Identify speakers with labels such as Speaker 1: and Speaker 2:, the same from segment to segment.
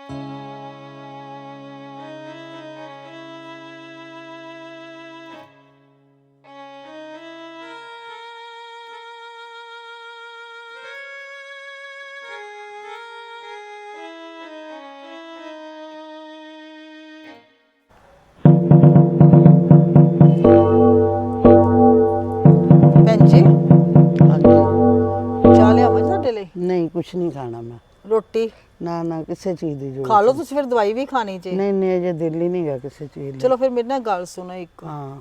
Speaker 1: ਭੈਣ ਜੀ
Speaker 2: हाँ जी।
Speaker 1: ਚਾਹ ਲਿਆਵਾਂ ਤੁਹਾਡੇ ਲਈ?
Speaker 2: नहीं कुछ नहीं खाना मैं।
Speaker 1: ਰੋਟੀ
Speaker 2: ना ना किसी चीज की जरूरत
Speaker 1: ਖਾ ਲਓ ਤੁਸੀਂ, ਫਿਰ ਦਵਾਈ ਵੀ ਖਾਣੀ ਜੇ।
Speaker 2: नहीं नहीं अजे दिल ही नहीं गा किसी चीज दी।
Speaker 1: ਚਲੋ ਫਿਰ ਮੇਰੇ ਨਾਲ ਗੱਲ ਸੁਣੋ ਇੱਕ।
Speaker 2: हाँ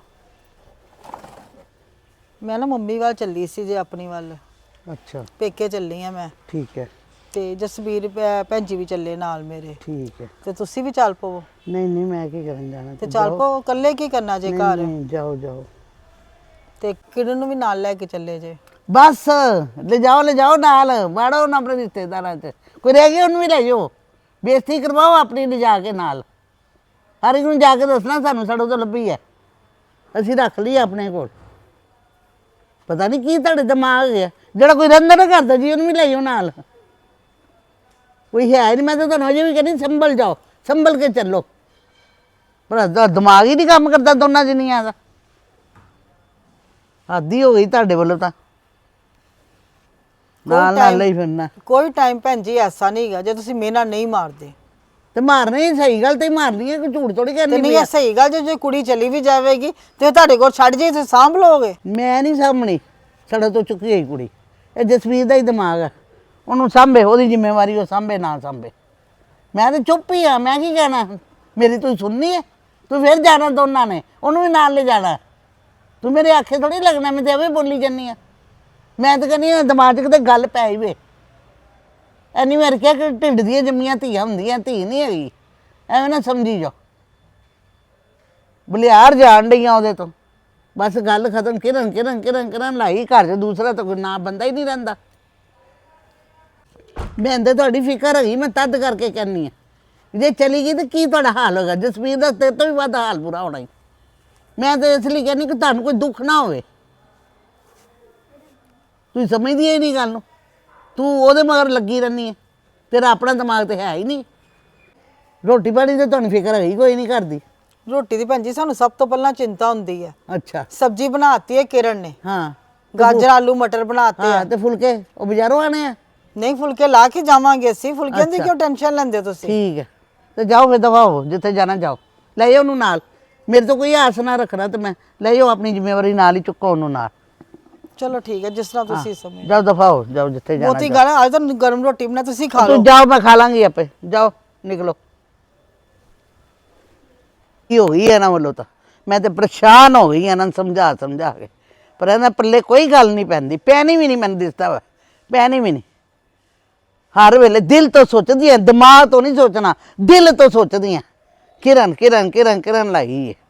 Speaker 1: ਮੈਂ ਨਾ ਮੰਮੀ ਵੱਲ ਚੱਲੀ ਸੀ ਜੇ, ਆਪਣੀ ਵੱਲ
Speaker 2: अच्छा
Speaker 1: ਪੇਕੇ ਚੱਲੀ ਆ ਮੈਂ,
Speaker 2: ठीक है
Speaker 1: ਤੇ ਜਸਬੀਰ ਭੈਣ ਜੀ ਵੀ ਚੱਲੇ ਨਾਲ ਮੇਰੇ,
Speaker 2: ठीक है।
Speaker 1: ਤੇ ਤੁਸੀਂ ਵੀ ਚੱਲ ਪਵੋ।
Speaker 2: नहीं नहीं मैं की करन जाना
Speaker 1: ਤੇ
Speaker 2: तुम
Speaker 1: ਚੱਲ
Speaker 2: जाओ।
Speaker 1: ਪਵੋ, ਇਕੱਲੇ ਕੀ ਕਰਨਾ ਜੇ
Speaker 2: नहीं
Speaker 1: ਘਰ?
Speaker 2: नहीं जाओ जाओ
Speaker 1: ਤੇ ਕਿਰਨ ਨੂੰ ਵੀ ਨਾਲ ਲੈ ਕੇ ਚੱਲੇ ਜੇ।
Speaker 2: बस ले जाओ नाल बाड़ो ना अपने रिश्तेदारां च कोई रह गया उन्हें भी ले जाओ बेइज्जती करवाओ अपनी ले जाके नाल हर एक नूं जाके दसना सानू साडो तो लभी है ਅਸੀਂ ਰੱਖ ਲਈ ਆਪਣੇ ਕੋਲ ਪਤਾ ਨਹੀਂ ਕੀ ਤੁਹਾਡੇ ਦਿਮਾਗ ਹੈ ਜਿਹੜਾ ਕੋਈ ਰੰਦਰ ਨਾ ਕਰਦਾ ਜੀ ਉਹਨੂੰ ਵੀ ਲੈ ਜਾਓ ਨਾਲ ਕੋਈ ਹੈ ਨਹੀਂ ਮੈਂ ਤਾਂ ਤੁਹਾਨੂੰ ਅਜੇ ਵੀ ਕਹਿੰਦੀ ਸੰਭਲ ਜਾਓ ਸੰਭਲ ਕੇ ਚੱਲੋ ਪਰ ਦਿਮਾਗ ਹੀ ਨਹੀਂ ਕੰਮ ਕਰਦਾ ਦੋਨਾਂ ਜਣੀਆਂ ਦਾ ਆਦੀ ਹੋ ਗਈ ਤੁਹਾਡੇ ਵੱਲੋਂ ਤਾਂ ਨਾਲ ਨਾਲ ਹੀ ਫਿਰਨਾ
Speaker 1: ਕੋਈ ਟਾਈਮ ਭੈਣ ਜੀ ਐਸਾ ਨਹੀਂ ਹੈਗਾ ਜੇ ਤੁਸੀਂ ਮੇਰੇ ਨਾਲ ਨਹੀਂ ਮਾਰਦੇ।
Speaker 2: ਤੇ ਮਾਰਨੀ ਸਹੀ ਗੱਲ ਤੇ ਮਾਰਨੀ ਹੈ ਕੋਈ ਝੂਠ ਥੋੜੀ
Speaker 1: ਤੇ
Speaker 2: ਕਰਨੀ
Speaker 1: ਨਹੀਂ, ਇਹ ਸਹੀ ਗੱਲ ਜੇ ਕੁੜੀ ਚਲੀ ਵੀ ਜਾਵੇਗੀ ਤੇ ਤੁਹਾਡੇ ਕੋਲ ਛੱਡ ਜੇ ਤੁਸੀਂ ਸਾਂਭ ਲਓਗੇ।
Speaker 2: ਮੈਂ ਨਹੀਂ ਸਾਂਭਣੀ ਸੜਾ ਤੋਂ ਚੁੱਕੀ ਗਈ ਕੁੜੀ ਇਹ ਜਸਵੀਰ ਦਾ ਹੀ ਦਿਮਾਗ ਹੈ ਉਹਨੂੰ ਸਾਂਭੇ ਉਹਦੀ ਜ਼ਿੰਮੇਵਾਰੀ ਉਹ ਸਾਂਭੇ ਨਾ ਸਾਂਭੇ ਮੈਂ ਤਾਂ ਚੁੱਪ ਹੀ ਆ ਮੈਂ ਕੀ ਕਹਿਣਾ ਮੇਰੀ ਤੂੰ ਸੁਣਨੀ ਹੈ ਤੂੰ ਫਿਰ ਜਾਣਾ ਦੋਨਾਂ ਨੇ ਉਹਨੂੰ ਵੀ ਨਾਲ ਲੈ ਜਾਣਾ ਤੂੰ ਮੇਰੇ ਆਖੇ ਥੋੜੀ ਲੱਗਣਾ ਮੈਂ ਤੇ ਐਵੇਂ ਬੋਲੀ ਜਾਂਦੀ ਆ ਮੈਂ ਤਾਂ ਕਹਿੰਦੀ ਹਾਂ ਦਿਮਾਗ 'ਚ ਕਿਤੇ ਗੱਲ ਪੈ ਹੀ ਵੇ ਐਨੀ ਵਾਰ ਕਿਹਾ ਕਿ ਢਿੱਡ ਦੀਆਂ ਜੰਮੀਆਂ ਧੀਆਂ ਹੁੰਦੀਆਂ ਧੀ ਨਹੀਂ ਹੈਗੀ ਐਵੇਂ ਨਾ ਸਮਝੀ ਜਾਓ ਬਲਿਆਰ ਜਾਣ ਡਈਆਂ ਉਹਦੇ ਤੋਂ ਬਸ ਗੱਲ ਖਤਮ ਕਿਰਨ ਲਾਈ ਘਰ 'ਚ ਦੂਸਰਾ ਤਾਂ ਕੋਈ ਨਾ ਬੰਦਾ ਹੀ ਨਹੀਂ ਰਹਿੰਦਾ ਮੈਂ ਤਾਂ ਤੁਹਾਡੀ ਫਿਕਰ ਹੈਗੀ ਮੈਂ ਤਦ ਕਰਕੇ ਕਹਿੰਦੀ ਹਾਂ ਜੇ ਚਲੀ ਗਈ ਤਾਂ ਕੀ ਤੁਹਾਡਾ ਹਾਲ ਹੋਗਾ ਜਸਵੀਰ ਦਾ ਤੇਰੇ ਤੋਂ ਵੀ ਵੱਧ ਹਾਲ ਬੁਰਾ ਹੋਣਾ ਹੀ ਮੈਂ ਤਾਂ ਇਸ ਲਈ ਕਹਿੰਦੀ ਕਿ ਤੁਹਾਨੂੰ ਕੋਈ ਦੁੱਖ ਨਾ ਹੋਵੇ ਤੂੰ ਸਮਝਦੀ ਹੀ ਨਹੀਂ ਗੱਲ ਨੂੰ ਤੂੰ ਉਹਦੇ ਮਗਰ ਲੱਗੀ ਰਹਿੰਦੀ ਹੈ ਤੇਰਾ ਆਪਣਾ ਦਿਮਾਗ ਤੇ ਹੈ ਹੀ ਨਹੀਂ ਰੋਟੀ ਪਾਣੀ ਤੇ ਤੁਹਾਨੂੰ ਫਿਕਰ ਹੈਗੀ ਕੋਈ ਨਹੀਂ ਕਰਦੀ
Speaker 1: ਰੋਟੀ ਦੀ ਭੈਣ ਜੀ ਸਾਨੂੰ ਸਭ ਤੋਂ ਪਹਿਲਾਂ ਚਿੰਤਾ ਹੁੰਦੀ ਹੈ।
Speaker 2: ਅੱਛਾ
Speaker 1: ਸਬਜ਼ੀ ਬਣਾਤੀ ਹੈ ਕਿਰਨ ਨੇ,
Speaker 2: ਹਾਂ
Speaker 1: ਗਾਜਰ ਆਲੂ ਮਟਰ ਬਣਾਤੇ
Speaker 2: ਹਾਂ
Speaker 1: ਆ।
Speaker 2: ਤੇ ਫੁਲਕੇ ਉਹ ਬਾਜ਼ਾਰੋਂ ਆਣੇ ਆ
Speaker 1: ਨਹੀਂ ਫੁਲਕੇ ਲਾ ਕੇ ਜਾਵਾਂਗੇ ਅਸੀਂ, ਫੁਲਕਿਆਂ ਦੀ ਕਿਉਂ ਟੈਨਸ਼ਨ ਲੈਂਦੇ ਹੋ ਤੁਸੀਂ?
Speaker 2: ਠੀਕ ਹੈ ਤੇ ਜਾਓ ਫਿਰ ਦਵਾ ਹੋ ਜਿੱਥੇ ਜਾਣਾ ਜਾਓ ਲੈ ਜਾਓ ਉਹਨੂੰ ਨਾਲ ਮੇਰੇ ਤੋਂ ਕੋਈ ਆਸ ਨਾ ਰੱਖਣਾ ਤੇ ਮੈਂ ਲੈ ਜਾਓ ਆਪਣੀ ਜ਼ਿੰਮੇਵਾਰੀ ਨਾਲ ਹੀ ਚੁੱਕੋ ਉਹਨੂੰ ਨਾਲ
Speaker 1: ਚਲੋ ਠੀਕ ਹੈ ਜਿਸ ਤਰ੍ਹਾਂ ਤੁਸੀਂ ਸਮਝ।
Speaker 2: ਜਾਓ ਦਫਾ ਹੋ ਜਾਓ ਜਿੱਥੇ ਜਾਣਾ
Speaker 1: ਬਹੁਤੀ ਗੱਲ ਅੱਜ ਤਾਂ ਗਰਮ ਰੋਟੀ ਬਣਾ ਤੁਸੀਂ ਖਾ ਲਓ।
Speaker 2: ਤੂੰ ਜਾਓ ਮੈਂ ਖਾ ਲਾਂਗੀ ਆਪੇ ਜਾਓ ਨਿਕਲੋ ਕੀ ਹੋ ਗਈ ਇਹਨਾਂ ਵੱਲੋਂ ਤਾਂ ਮੈਂ ਤੇ ਪਰੇਸ਼ਾਨ ਹੋ ਗਈ ਇਹਨਾਂ ਨੂੰ ਸਮਝਾ ਕੇ ਪਰ ਇਹਨਾਂ ਪੱਲੇ ਕੋਈ ਗੱਲ ਨਹੀਂ ਪੈਂਦੀ ਪੈਣੀ ਵੀ ਨਹੀਂ ਮੈਨੂੰ ਦਿਸਦਾ ਵਾ ਪੈਣੀ ਵੀ ਨਹੀਂ ਹਰ ਵੇਲੇ ਦਿਲ ਤੋਂ ਸੋਚਦੀ ਹੈ ਦਿਮਾਗ ਤੋਂ ਨਹੀਂ ਸੋਚਣਾ ਦਿਲ ਤੋਂ ਸੋਚਦੀ ਹੈ ਕਿਰਨ ਲਾਈ ਹੈ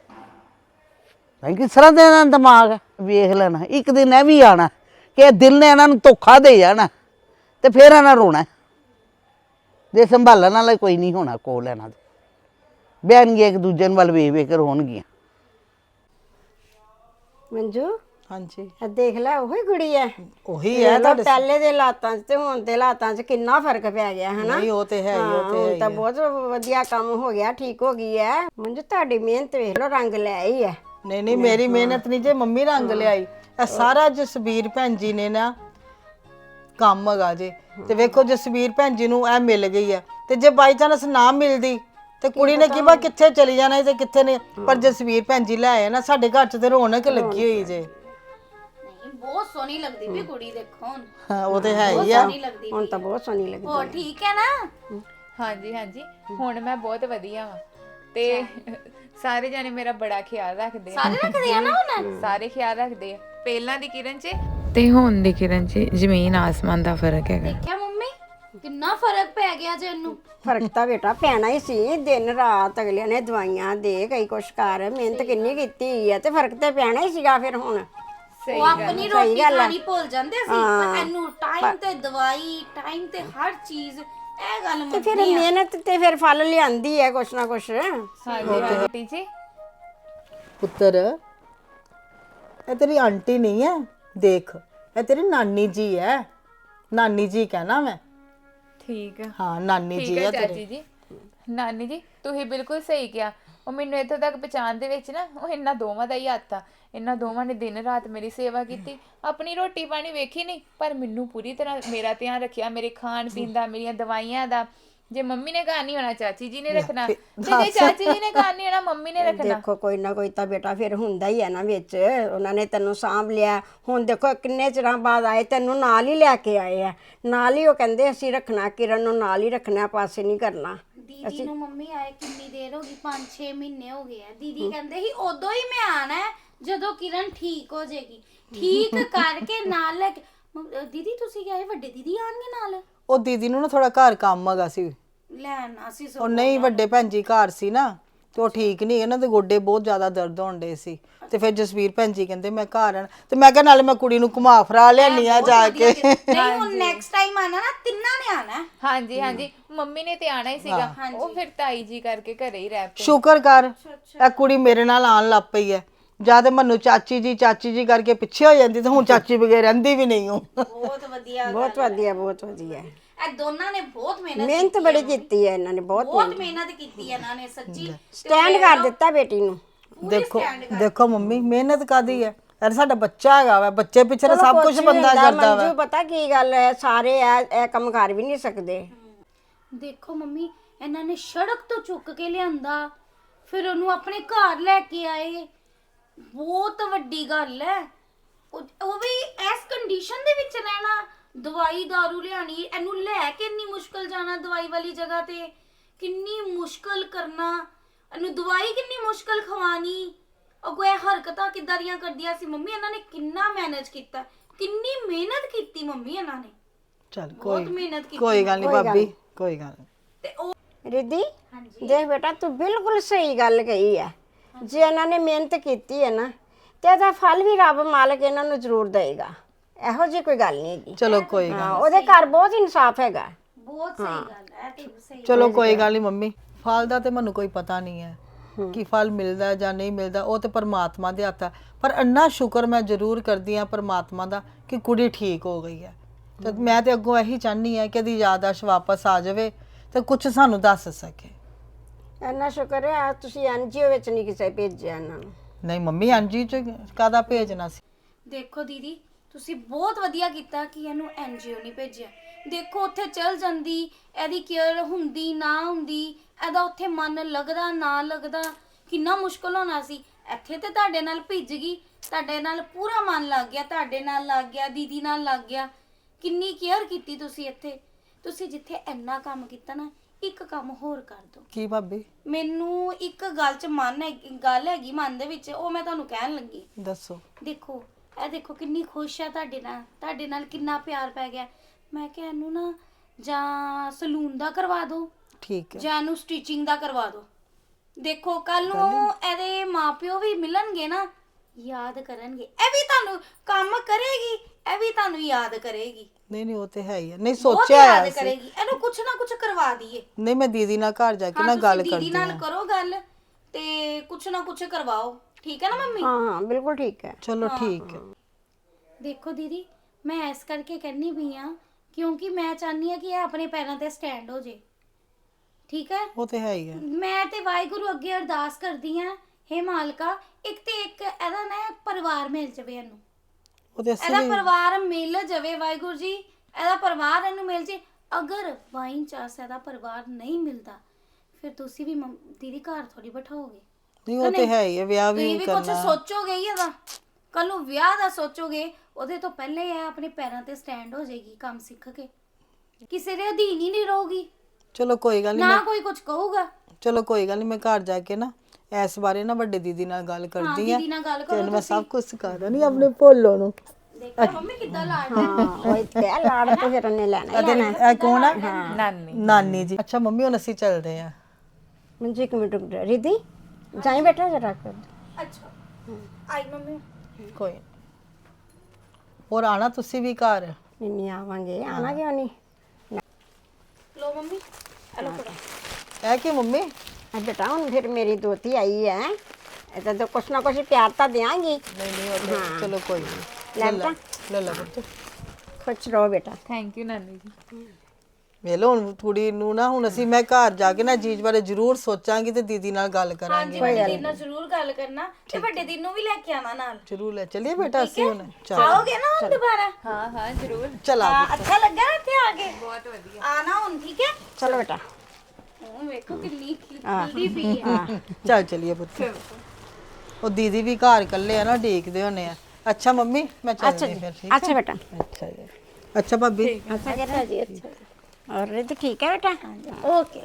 Speaker 2: ਕਿਸ ਤਰ੍ਹਾਂ ਦਾ ਇਹਨਾਂ ਦਾ ਦਿਮਾਗ ਹੈ ਵੇਖ ਲੈਣਾ ਇੱਕ ਦਿਨ ਇਹ ਵੀ ਆਣਾ ਕਿ ਇਹ ਦਿਲ ਨੇ ਇਹਨਾਂ ਨੂੰ ਧੋਖਾ ਦੇ ਜਾਣਾ ਤੇ ਫਿਰ ਇਹਨਾਂ ਰੋਣਾ ਜੇ ਸੰਭਾਲਣ ਵਾਲਾ ਕੋਈ ਨਹੀਂ ਹੋਣਾ ਕੋਲ ਇਹਨਾਂ ਦੇ ਬਹਿਣਗੇ ਇੱਕ ਦੂਜੇ ਨੂੰ ਵੱਲ ਵੇਖ ਕੇ ਰੋਣਗੀਆਂ
Speaker 3: ਮੰਜੂ
Speaker 1: ਹਾਂਜੀ
Speaker 3: ਇਹ ਦੇਖ ਲੈ ਉਹੀ ਕੁੜੀ ਹੈ
Speaker 1: ਉਹੀ ਹੈ ਤੁਹਾਡੇ
Speaker 3: ਪਹਿਲੇ ਦੇ ਹਾਲਾਤਾਂ 'ਚ ਤੇ ਹੁਣ ਦੇ ਹਾਲਾਤਾਂ 'ਚ ਕਿੰਨਾ ਫਰਕ ਪੈ ਗਿਆ ਹੈ ਨਾ
Speaker 1: ਨਹੀਂ ਉਹ ਤੇ ਹੈ ਹੀ, ਉਹ ਤੇ ਹੈ
Speaker 3: ਹੁਣ
Speaker 1: ਹੀ
Speaker 3: ਤਾਂ
Speaker 1: ਹੈ।
Speaker 3: ਬਹੁਤ ਵਧੀਆ ਕੰਮ ਹੋ ਗਿਆ ਠੀਕ ਹੋ ਗਈ ਹੈ ਮੰਜੂ ਤੁਹਾਡੀ ਮਿਹਨਤ ਵੇਖ ਲਓ ਰੰਗ ਲੈ ਆਈ ਹੈ
Speaker 1: ਨਹੀਂ ਨਹੀਂ ਮੇਰੀ ਮਿਹਨਤ ਨਹੀਂ ਜੇ ਮੰਮੀ ਰੰਗ ਲਿਆਈ ਇਹ ਸਾਰਾ ਜਸਬੀਰ ਭੈਣ ਜੀ ਨੇ ਨਾ ਕੰਮ ਹੈਗਾ ਜੇ ਤੇ ਵੇਖੋ ਜਸਬੀਰ ਭੈਣ ਜੀ ਨੂੰ ਇਹ ਮਿਲ ਗਈ ਹੈ ਤੇ ਜੇ ਬਾਈ ਚਾਂਸ ਨਾ ਮਿਲਦੀ ਤੇ ਕੁੜੀ ਨੇ ਕੀ ਪਤਾ ਕਿੱਥੇ ਚਲੀ ਜਾਣਾ ਤੇ ਕਿੱਥੇ ਨੇ ਪਰ ਜਸਬੀਰ ਭੈਣ ਜੀ ਲੈ ਆਏ ਨਾ ਸਾਡੇ ਘਰ 'ਚ ਤੇ ਰੌਣਕ ਲੱਗੀ ਹੋਈ ਜੇ।
Speaker 4: ਨਹੀਂ ਬਹੁਤ ਸੋਹਣੀ ਲੱਗਦੀ ਵੀ ਕੁੜੀ ਦੇਖੋ ਹੁਣ
Speaker 1: ਹਾਂ ਉਹ ਤੇ ਹੈ ਹੀ ਆ।
Speaker 4: ਸੋਹਣੀ ਲੱਗਦੀ
Speaker 3: ਹੁਣ ਤਾਂ ਬਹੁਤ ਸੋਹਣੀ ਲੱਗਦੀ
Speaker 4: ਹੋਰ ਠੀਕ ਹੈ ਨਾ?
Speaker 5: ਹਾਂਜੀ ਹਾਂਜੀ ਹੁਣ ਮੈਂ ਬਹੁਤ ਵਧੀਆ ਵਾਂ ਤੇ ਸਾਰੇ ਜਾਣੇ ਮੇਰਾ ਬੜਾ ਖਿਆਲ ਰੱਖਦੇ ਆ
Speaker 4: ਸਾਰੇ ਰੱਖਦੇ ਆ ਨਾ ਹੁਣ?
Speaker 5: ਸਾਰੇ ਖਿਆਲ ਰੱਖਦੇ ਆ ਪਹਿਲਾਂ ਦੀ ਕਿਰਨ 'ਚ ਤੇ ਹੁਣ ਦੀ ਕਿਰਨ 'ਚ ਜ਼ਮੀਨ ਆਸਮਾਨ ਦਾ ਫਰਕ ਹੈਗਾ
Speaker 4: ਦੇਖਿਆ ਮੰਮੀ ਕਿੰਨਾ ਫਰਕ ਪੈ ਗਿਆ ਜੇ ਇਹਨੂੰ।
Speaker 3: ਫਰਕ ਤਾਂ ਬੇਟਾ ਪੈਣਾ ਹੀ ਸੀ ਦਿਨ ਰਾਤ ਅਗਲਿਆਂ ਨੇ ਦਵਾਈਆਂ ਦੇ ਕਈ ਕੁਛ ਕਰ ਮਿਹਨਤ ਕਿੰਨੀ ਕੀਤੀ ਹੈ ਤੇ ਫਰਕ ਤੇ ਪੈਣਾ ਹੀ ਸੀਗਾ ਫਿਰ ਹੁਣ
Speaker 4: ਉਹ ਆਪਣੀ ਰੋਟੀ ਖਾਣੀ ਭੁੱਲ ਜਾਂਦੇ ਸੀ ਪਰ ਇਹਨੂੰ ਟਾਈਮ ਤੇ ਦਵਾਈ ਟਾਈਮ ਤੇ ਹਰ ਚੀਜ਼ ਇਹ ਗੱਲ
Speaker 3: ਤੇ ਫਿਰ ਮਿਹਨਤ ਤੇ ਫਿਰ ਫਲ ਲਿਆਂਦੀ ਹੈ ਕੁਛ ਨਾ ਕੁਛ
Speaker 5: ਹਾਂਜੀ ਆਂਟੀ ਜੀ
Speaker 1: ਪੁੱਤਰ ਇਹ ਤੇਰੀ ਆਂਟੀ ਨਹੀਂ ਹੈ, ਦੇਖ ਇਹ ਤੇਰੀ ਨਾਨੀ ਜੀ ਹੈ, ਨਾਨੀ ਜੀ ਕਹਿਣਾ ਮੈਂ।
Speaker 5: ਠੀਕ ਆ
Speaker 1: ਹਾਂ ਨਾਨੀ
Speaker 5: ਠੀਕ
Speaker 1: ਜੀ
Speaker 5: ਹੈ
Speaker 1: ਆ ਤੇਰੇ।
Speaker 5: ਚਾਚੀ ਜੀ। ਨਾਨੀ ਜੀ ਤੁਸੀਂ ਬਿਲਕੁਲ ਸਹੀ ਕਿਹਾ। ਉਹ ਮੈਨੂੰ ਇੱਥੋਂ ਤੱਕ ਪਛਾਣ ਦੇ ਵਿੱਚ ਨਾ ਉਹ ਇਹਨਾਂ ਦੋਵਾਂ ਦਾ ਹੀ ਹੱਥ ਆ। ਇਹਨਾਂ ਦੋਵਾਂ ਨੇ ਦਿਨ ਰਾਤ ਮੇਰੀ ਸੇਵਾ ਕੀਤੀ, ਆਪਣੀ ਰੋਟੀ ਪਾਣੀ ਵੇਖੀ ਨਹੀਂ ਪਰ ਮੈਨੂੰ ਪੂਰੀ ਤਰ੍ਹਾਂ ਮੇਰਾ ਧਿਆਨ ਰੱਖਿਆ, ਮੇਰੇ ਖਾਣ ਪੀਣ ਦਾ, ਮੇਰੀਆਂ ਦਵਾਈਆਂ ਦਾ। ਜੇ ਮੰਮੀ ਨੇ ਘਰ ਨਹੀਂ ਹੋਣਾ ਚਾਚੀ ਜੀ ਨੇ ਰੱਖਣਾ, ਤੇ ਜੇ ਚਾਚੀ ਜੀ ਨੇ ਘਰ ਨਹੀਂ ਹੋਣਾ ਮੰਮੀ ਨੇ ਰੱਖਣਾ।
Speaker 3: ਦੇਖੋ ਕੋਈ ਨਾ ਕੋਈ ਤਾਂ ਬੇਟਾ ਫਿਰ ਹੁੰਦਾ ਹੀ ਹੈ ਨਾ ਵਿੱਚ। ਉਹਨਾਂ ਨੇ ਤੈਨੂੰ ਸਾਂਭ ਲਿਆ। ਹੁਣ ਦੇਖੋ ਕਿੰਨੇ ਚਿਰਾਂ ਬਾਅਦ ਆਏ, ਤੈਨੂੰ ਨਾਲ ਹੀ ਲੈ ਕੇ ਆਏ ਆ। ਨਾਲ ਹੀ ਉਹ ਕਹਿੰਦੇ ਅਸੀਂ ਰੱਖਣਾ, ਕਿਰਨ ਨੂੰ ਨਾਲ ਹੀ ਰੱਖਣਾ, ਪਾਸੇ ਨਹੀਂ ਕਰਨਾ।
Speaker 4: ਦੀਦੀ ਨੂੰ ਮੰਮੀ ਆਏ ਕਿੰਨੀ ਦੇਰ ਹੋ ਗਈ, 5-6 ਮਹੀਨੇ ਹੋ ਗਏ ਆ। ਦੀਦੀ ਕਹਿੰਦੇ ਸੀ ਉਦੋਂ ਹੀ ਮੈਂ ਆਣਾ ਹੈ ਜਦੋਂ ਕਿਰਨ ਠੀਕ ਹੋ ਜਾਏਗੀ। ਠੀਕ ਕਰਕੇ ਨਾਲ ਲੈ ਕੇ ਦੀਦੀ ਤੁਸੀਂ ਕਹੇ ਵੱਡੇ ਦੀਦੀ ਆਣਗੇ ਨਾਲ
Speaker 1: ਉਹ ਦੀਦੀ ਨੂੰ ਨਾ ਥੋੜਾ ਘਰ ਕੰਮ ਹੈਗਾ ਸੀ,
Speaker 4: ਲੈਣ ਅਸੀਂ
Speaker 1: ਉਹ ਨਹੀਂ ਵੱਡੇ ਭੈਣ ਜੀ ਘਰ ਸੀ ਨਾ, ਤੇ ਉਹ ਠੀਕ ਨਹੀਂ, ਇਹਨਾਂ ਦੇ ਗੋਡੇ ਬਹੁਤ ਜ਼ਿਆਦਾ ਦਰਦ ਹੋਣ ਡੇ ਸੀ। ਤੇ ਫਿਰ ਜਸਵੀਰ ਭੈਣ ਜੀ ਕਹਿੰਦੇ ਮੈਂ ਘਰ ਆਣਾ, ਤੇ ਮੈਂ ਕਿਹਾ ਨਾਲੇ ਮੈਂ ਕੁੜੀ ਨੂੰ ਘੁਮਾ ਫਰਾ ਲਿਆਨੀ ਆ ਜਾ ਕੇ।
Speaker 4: ਨਹੀਂ ਹੁਣ ਨੈਕਸਟ ਟਾਈਮ ਆਣਾ ਨਾ ਤਿੰਨਾਂ ਨੇ ਆਣਾ।
Speaker 5: ਹਾਂਜੀ ਹਾਂਜੀ ਮੰਮੀ ਨੇ ਤੇ ਆਣਾ ਹੀ ਸੀਗਾ, ਉਹ ਫਿਰ ਤਾਈ ਜੀ ਕਰਕੇ ਘਰੇ ਹੀ ਰਹਿ ਪਏ।
Speaker 1: ਸ਼ੁਕਰ ਕਰ ਇਹ ਕੁੜੀ ਮੇਰੇ ਨਾਲ ਆਣ ਲੱਗ ਪਈ ਹੈ। ਜਾਂ ਤੇ ਮੈਨੂੰ ਚਾਚੀ ਜੀ ਕਰਕੇ ਪਿੱਛੇ ਹੋ ਜਾਂਦੀ, ਤੇ ਹੁਣ ਚਾਚੀ ਬਗੈਰ ਰਹਿੰਦੀ ਵੀ ਨਹੀਂ ਹੂੰ।
Speaker 4: ਬਹੁਤ ਵਧੀਆ
Speaker 3: ਬਹੁਤ ਵਧੀਆ, ਬਹੁਤ ਵਧੀਆ।
Speaker 4: ਇਹ ਦੋਨਾਂ ਨੇ ਬਹੁਤ
Speaker 3: ਮਿਹਨਤ ਬੜੀ ਕੀਤੀ ਹੈ ਇਹਨਾਂ ਨੇ, ਬਹੁਤ
Speaker 4: ਮਿਹਨਤ ਕੀਤੀ ਹੈ ਇਹਨਾਂ ਨੇ ਸੱਚੀ।
Speaker 3: ਸਟੈਂਡ ਕਰ ਦਿੱਤਾ ਬੇਟੀ ਨੂੰ।
Speaker 1: ਦੇਖੋ ਮੰਮੀ ਮਿਹਨਤ ਕਾਦੀ ਹੈ, ਯਾਰ ਸਾਡਾ ਬੱਚਾ ਹੈਗਾ ਵਾ, ਬੱਚੇ ਪਿੱਛੇ ਤਾਂ ਸਭ ਕੁਝ ਬੰਦਾ ਕਰਦਾ ਵਾ।
Speaker 3: ਮੰਜੂ ਪਤਾ ਕੀ ਗੱਲ ਹੈ, ਸਾਰੇ ਇਹ ਕੰਮ ਕਰ ਵੀ ਨਹੀਂ ਸਕਦੇ।
Speaker 4: ਦੇਖੋ ਮੰਮੀ ਇਹਨਾਂ ਨੇ ਸੜਕ ਤੋਂ ਚੁੱਕ ਕੇ ਲਿਆਂਦਾ, ਫਿਰ ਉਹਨੂੰ ਆਪਣੇ ਘਰ ਲੈ ਕੇ ਆਏ। ਬਹੁਤ ਵੱਡੀ ਗੱਲ ਹੈ। ਉਹ ਵੀ ਇਸ ਕੰਡੀਸ਼ਨ ਦੇ ਵਿੱਚ ਰਹਿਣਾ, ਦਵਾਈ ਦਾਰੂ ਲਿਆਣੀ, ਇਹਨੂੰ ਲੈ ਕੇ ਇੰਨੀ ਮੁਸ਼ਕਲ ਜਾਣਾ ਦਵਾਈ ਵਾਲੀ ਜਗ੍ਹਾ ਤੇ, ਕਿੰਨੀ ਮੁਸ਼ਕਲ ਕਰਨਾ, ਇਹਨੂੰ ਦਵਾਈ ਕਿੰਨੀ ਮੁਸ਼ਕਲ ਖਵਾਣੀ। ਅਗੋ ਇਹ ਹਰਕਤਾਂ ਕਿੱਦਾਂ ਦੀਆਂ ਕਰਦੀਆਂ ਸੀ ਮੰਮੀ, ਇਹਨਾਂ ਨੇ ਕਿੰਨਾ ਮੈਨੇਜ ਕੀਤਾ, ਕਿੰਨੀ ਮਿਹਨਤ ਕੀਤੀ ਮੰਮੀ ਇਹਨਾਂ ਨੇ।
Speaker 1: ਚਲ
Speaker 4: ਬਹੁਤ ਮਿਹਨਤ ਕੀਤੀ।
Speaker 1: ਕੋਈ ਗੱਲ ਨਹੀਂ ਭਾਬੀ, ਕੋਈ ਗੱਲ ਨਹੀਂ।
Speaker 4: ਤੇ ਉਹ
Speaker 3: ਰਿੱਧੀ ਦੇਖ ਬੇਟਾ ਤੂੰ ਬਿਲਕੁਲ ਸਹੀ ਗੱਲ ਕਹੀ ਹੈ। ਜੇ ਇਹਨਾਂ ਨੇ ਮਿਹਨਤ ਕੀਤੀ ਹੈ ਨਾ, ਤੇ ਇਹਦਾ ਫਲ ਵੀ ਰੱਬ ਮਾਲਕ ਇਹਨਾਂ ਨੂੰ ਜ਼ਰੂਰ ਦੇਗਾ। ਇਹੋ ਜਿਹੀ ਕੋਈ ਗੱਲ ਨਹੀਂ ਹੈਗੀ।
Speaker 1: ਚਲੋ ਕੋਈ ਗੱਲ,
Speaker 3: ਹਾਂ ਉਹਦੇ ਘਰ ਬਹੁਤ ਇਨਸਾਫ ਹੈਗਾ।
Speaker 4: ਬਹੁਤ ਸਹੀ ਗੱਲ ਹੈ ਤੇ ਸਹੀ।
Speaker 1: ਚਲੋ ਕੋਈ ਗੱਲ ਨਹੀਂ ਮੰਮੀ, ਫਲ ਦਾ ਤੇ ਮੈਨੂੰ ਕੋਈ ਪਤਾ ਨਹੀਂ ਹੈ ਕਿ ਫਲ ਮਿਲਦਾ ਜਾਂ ਨਹੀਂ ਮਿਲਦਾ, ਉਹ ਤੇ ਪਰਮਾਤਮਾ ਦੇ ਹੱਥ ਹੈ। ਪਰ ਇੰਨਾ ਸ਼ੁਕਰ ਮੈਂ ਜ਼ਰੂਰ ਕਰਦੀ ਹਾਂ ਪਰਮਾਤਮਾ ਦਾ ਕਿ ਕੁੜੀ ਠੀਕ ਹੋ ਗਈ ਹੈ। ਤੇ ਮੈਂ ਤੇ ਅੱਗੋਂ ਇਹੀ ਚਾਹਨੀ ਹੈ ਕਿ ਇਹਦੀ ਯਾਦਾਸ਼ਤ ਵਾਪਸ ਆ ਜਾਵੇ ਤੇ ਕੁਝ ਸਾਨੂੰ ਦੱਸ ਸਕੇ।
Speaker 3: ਇੰਨਾ ਸ਼ੁਕਰ ਹੈ ਤੁਸੀਂ ਐਨਜੀਓ ਵਿੱਚ ਨਹੀਂ ਕਿਸੇ ਭੇਜਿਆ ਇਹਨਾਂ ਨੂੰ।
Speaker 1: ਨਹੀਂ ਮੰਮੀ ਐਨਜੀ ਚ ਕਾਹਦਾ ਭੇਜਣਾ ਸੀ।
Speaker 4: ਦੇਖੋ ਦੀਦੀ ਤੁਸੀਂ ਬਹੁਤ ਵਧੀਆ ਕੀਤਾ ਕਿ ਇਹਨੂੰ ਐਨਜੀਓ ਨਹੀਂ ਭੇਜਿਆ। ਦੇਖੋ ਉੱਥੇ ਚਲ ਜਾਂਦੀ, ਇਹਦੀ ਕੇਅਰ ਹੁੰਦੀ ਨਾ ਹੁੰਦੀ, ਇਹਦਾ ਉੱਥੇ ਮਨ ਲੱਗਦਾ ਨਾ ਲੱਗਦਾ, ਕਿੰਨਾ ਮੁਸ਼ਕਲ ਹੋਣਾ ਸੀ। ਇੱਥੇ ਤੇ ਤੁਹਾਡੇ ਨਾਲ ਭਿੱਜ ਗਈ, ਤੁਹਾਡੇ ਨਾਲ ਪੂਰਾ ਮਨ ਲੱਗ ਗਿਆ, ਤੁਹਾਡੇ ਨਾਲ ਲੱਗ ਗਿਆ, ਦੀਦੀ ਨਾਲ ਲੱਗ ਗਿਆ। ਕਿੰਨੀ ਕੇਅਰ ਕੀਤੀ ਤੁਸੀਂ ਇੱਥੇ। ਤੁਸੀਂ ਜਿੱਥੇ ਇੰਨਾ ਕੰਮ ਕੀਤਾ ਨਾ, ਇੱਕ ਕੰਮ ਹੋਰ ਕਰ ਦਿਓ।
Speaker 1: ਕੀ ਭਾਬੀ?
Speaker 4: ਮੈਨੂੰ ਇੱਕ ਗੱਲ ਹੈਗੀ ਮਨ ਦੇ ਵਿੱਚ, ਉਹ ਮੈਂ ਤੁਹਾਨੂੰ ਕਹਿਣ ਲੱਗੀ।
Speaker 1: ਦੱਸੋ।
Speaker 4: ਦੇਖੋ ਇਹ ਦੇਖੋ ਕਿੰਨੀ ਖੁਸ਼ ਹੈ ਤੁਹਾਡੇ ਨਾਲ ਕਿੰਨਾ ਪਿਆਰ ਪੈ ਗਿਆ। ਮੈਂ ਕਿਹਾ ਇਹਨੂੰ ਨਾ ਜਾਂ ਸਲੂਨ ਦਾ ਕਰਵਾ ਦਿਓ,
Speaker 1: ਠੀਕ ਹੈ,
Speaker 4: ਜਾਂ ਇਹਨੂੰ ਸਟਿਚਿੰਗ ਦਾ ਕਰਵਾ ਦਿਓ। ਦੇਖੋ ਕੱਲ ਨੂੰ ਇਹਦੇ ਮਾਪਿਓ ਵੀ ਮਿਲਣਗੇ ਨਾ, ਯਾਦ ਕਰਨਗੇ। ਇਹ ਵੀ ਤੁਹਾਨੂੰ ਕੰਮ ਕਰੇਗੀ, ਇਹ ਵੀ ਤੁਹਾਨੂੰ ਯਾਦ ਕਰੇਗੀ।
Speaker 1: ਨਹੀਂ ਉਹ ਤੇ ਹੈ ਹੀ ਹੈ। ਨਹੀਂ
Speaker 4: ਬਹੁਤ
Speaker 1: ਸੋਚਿਆ
Speaker 4: ਯਾਦ
Speaker 1: ਹੈ
Speaker 4: ਕਰੇਗੀ। ਇਹਨੂੰ ਕੁਛ ਨਾ ਕੁਛ ਕਰਵਾ ਦਈਏ।
Speaker 1: ਨਹੀਂ ਮੈਂ ਦੀਦੀ ਨਾਲ ਘਰ ਜਾ ਕੇ
Speaker 4: ਹਾਂ
Speaker 1: ਨਾ ਗੱਲ
Speaker 4: ਤੁਸੀਂ ਦੀਦੀ
Speaker 1: ਕਰਦੀ
Speaker 4: ਨਾਲ
Speaker 1: ਹਾਂ।
Speaker 4: ਕਰੋ ਗੱਲ ਤੇ ਕੁਛ ਨਾ ਕੁਛ ਕਰਵਾਓ, ਠੀਕ ਹੈ ਨਾ ਮੰਮੀ?
Speaker 3: ਹਾਂ ਹਾਂ ਬਿਲਕੁਲ ਠੀਕ ਹੈ।
Speaker 1: ਚਲੋ ਠੀਕ ਹੈ।
Speaker 4: ਦੇਖੋ ਦੀਦੀ ਮੈਂ ਇਸ ਕਰਕੇ ਕਹਿੰਨੀ ਪਈ ਆ ਕਿਉਂਕਿ ਮੈਂ ਚਾਹਨੀ ਆ ਕਿ ਇਹ ਆਪਣੇ ਪੈਰਾਂ ਤੇ ਸਟੈਂਡ ਹੋ ਜੇ, ਠੀਕ ਹੈ?
Speaker 1: ਉਹ ਤੇ ਹੈ ਹੀ ਹੈ।
Speaker 4: ਮੈਂ ਤੇ ਵਾਹਿਗੁਰੂ ਅੱਗੇ ਅਰਦਾਸ ਕਰਦੀ ਆ, ਹੇ ਮਾਲਕਾ ਇੱਕ ਤੇ ਇੱਕ ਇਹਦਾ ਨਾ ਪਰਿਵਾਰ ਮਿਲ ਜਾਵੇ ਇਹਨੂੰ,
Speaker 1: ਉਹ ਤੇ
Speaker 4: ਇਹਦਾ ਪਰਿਵਾਰ ਮਿਲ ਜਾਵੇ ਵਾਹਿਗੁਰੂ ਜੀ, ਇਹਦਾ ਪਰਿਵਾਰ ਇਹਨੂੰ ਮਿਲ ਜੇ। ਅਗਰ ਬਾਈ ਚਾਂਸ ਇਹਦਾ ਪਰਿਵਾਰ ਨਹੀਂ ਮਿਲਦਾ ਫਿਰ ਤੁਸੀਂ ਵੀ ਦੀਦੀ ਘਰ ਥੋੜੀ ਬਿਠਾਓਗੇ।
Speaker 1: ਨਹੀਂ ਉਹ ਤੇ ਹੈ ਹੀ ਹੈ, ਵਿਆਹ ਵੀ
Speaker 4: ਤੁਸੀਂ ਵੀ ਕੁਝ
Speaker 1: ਕਰਨਾ।
Speaker 4: ਸੋਚੋਗੇ ਹੀ ਇਹਦਾ, ਕੱਲ ਨੂੰ ਵਿਆਹ ਦਾ ਸੋਚੋਗੇ, ਉਹਦੇ ਤੋਂ ਪਹਿਲੇ ਇਹ ਆਪਣੇ ਪੈਰਾਂ ਤੇ ਸਟੈਂਡ ਹੋ ਜਾਏਗੀ, ਕੰਮ ਸਿੱਖ ਕੇ ਕਿਸੇ ਦੇ ਅਧੀਨ ਹੀ ਨਹੀਂ ਰਹੂਗੀ,
Speaker 1: ਚਲੋ ਕੋਈ ਗੱਲ ਨਹੀਂ,
Speaker 4: ਨਾ ਕੋਈ ਕੁਝ ਕਹੂਗਾ।
Speaker 1: ਚਲੋ ਕੋਈ ਗੱਲ ਨਹੀਂ, ਮੈਂ ਘਰ ਜਾ ਕੇ ਨਾ ਇਸ ਬਾਰੇ ਨਾ ਵੱਡੇ ਦੀਦੀ ਨਾਲ ਗੱਲ ਕਰਦੀ ਆ,
Speaker 4: ਦੀਦੀ ਨਾਲ ਗੱਲ
Speaker 1: ਤੇ
Speaker 4: ਕਰੋ
Speaker 1: ਮੈਂ ਸਭ ਕੁਝ ਸਿਖਾ ਦਾਂਗੀ ਆਪਣੇ ਭੋਲੋ ਨੂੰ।
Speaker 4: ਦੇਖੋ ਮੰਮੀ ਕਿੱਦਾਂ ਲਾਡ
Speaker 3: ਹਾਂ ਉਹ ਤੇ ਲਾੜ ਤੇ ਫਿਰ ਉਹਨੇ ਲੈਣਾ ਹੀ ਲੈਣਾ।
Speaker 1: ਇਹ ਕੌਣ ਹੈ?
Speaker 5: ਨਾਨੀ।
Speaker 1: ਨਾਨੀ ਜੀ। ਅੱਛਾ ਮੰਮੀ ਹੁਣ ਅਸੀਂ ਚੱਲਦੇ ਆ।
Speaker 3: ਮੰਜੀ ਇੱਕ ਮਿੰਟ ਰੁਕ ਜਾ ਰਿੱਧੀ, ਜਾਈ ਬੇਟਾ ਜਰਾ ਕਰ।
Speaker 4: ਅੱਛਾ ਆਈ ਮੰਮੀ।
Speaker 1: ਕੋਈ ਨੀ। ਹੋਰ ਆਣਾ ਤੁਸੀਂ ਵੀ ਘਰ?
Speaker 3: ਨਹੀਂ ਆਵਾਂਗੇ, ਆਣਾ ਕਿਉਂ ਨਹੀਂ।
Speaker 4: ਲੋ ਮੰਮੀ ਹਲੋ ਫੜੋ।
Speaker 1: ਇਹ ਕੀ ਮੰਮੀ?
Speaker 3: ਆ ਬੇਟਾ ਹੁਣ ਫਿਰ ਮੇਰੀ ਦੋਤੀ ਆਈ ਹੈ, ਇਹ ਤਾਂ ਕੁਛ ਨਾ ਕੁਛ ਪਿਆਰ ਤਾਂ ਦਿਆਂਗੀ।
Speaker 1: ਨਹੀਂ ਉਹ ਤਾਂ ਚਲੋ ਕੋਈ ਨਹੀਂ।
Speaker 3: ਲੈ ਬੇਟਾ
Speaker 1: ਲੈ ਲੈ ਪੁੱਤ।
Speaker 3: ਖੁਸ਼ ਰਹੋ ਬੇਟਾ।
Speaker 5: ਥੈਂਕ ਯੂ ਨਾਨੀ ਜੀ।
Speaker 1: ਵੇਲੋ ਹੁਣ ਕੁੜੀ ਨੂੰ ਨਾ ਹੁਣ ਅਸੀਂ ਮੈਂ ਘਰ ਜਾ ਕੇ ਨਾ ਚੀਜ਼ ਬਾਰੇ ਜ਼ਰੂਰ ਸੋਚਾਂਗੀ ਤੇ ਦੀਦੀ ਨਾਲ ਗੱਲ ਕਰਾਂਗੇ।
Speaker 4: ਵੱਡੇ ਦਿਨ ਨਾਲ ਜ਼ਰੂਰ ਗੱਲ ਕਰਨਾ ਤੇ ਵੱਡੇ ਦਿਨ ਨੂੰ ਵੀ ਲੈ ਕੇ ਆਣਾ ਨਾਲ।
Speaker 1: ਜ਼ਰੂਰ ਲੈ ਚਲਿਏ ਬੇਟਾ ਅਸੀਂ ਹੁਣ ਚਲ
Speaker 4: ਆਓਗੇ ਨਾ ਹੁਣ ਦੁਬਾਰਾ?
Speaker 5: ਹਾਂ ਹਾਂ ਜ਼ਰੂਰ।
Speaker 1: ਚਲਾ
Speaker 4: ਅੱਛਾ ਲੱਗਾ ਨਾ ਇੱਥੇ ਆ ਕੇ? ਬਹੁਤ ਵਧੀਆ। ਆਣਾ ਹੁਣ, ਠੀਕ ਹੈ?
Speaker 3: ਚਲੋ ਬੇਟਾ।
Speaker 4: ਉਹ ਵੇਖੋ ਕਿੰਨੀ ਖਿਲਦੀ ਪਈ ਹੈ।
Speaker 1: ਚੱਲ ਚਲਿਏ ਪੁੱਤ। ਉਹ ਦੀਦੀ ਵੀ ਘਰ ਇਕੱਲੇ ਆ ਨਾ, ਢੀਕਦੇ ਹੋਣੇ ਆ। ਅੱਛਾ ਮੰਮੀ ਮੈਂ ਚੱਲਦੀ ਫਿਰ, ਠੀਕ ਹੈ?
Speaker 3: ਅੱਛਾ ਬੇਟਾ।
Speaker 1: ਅੱਛਾ ਜੀ। ਅੱਛਾ ਭਾਬੀ।
Speaker 3: ਅੱਛਾ ਜੀ, ਅੱਛਾ। और रिद्धि ठीक है बेटा? ओके।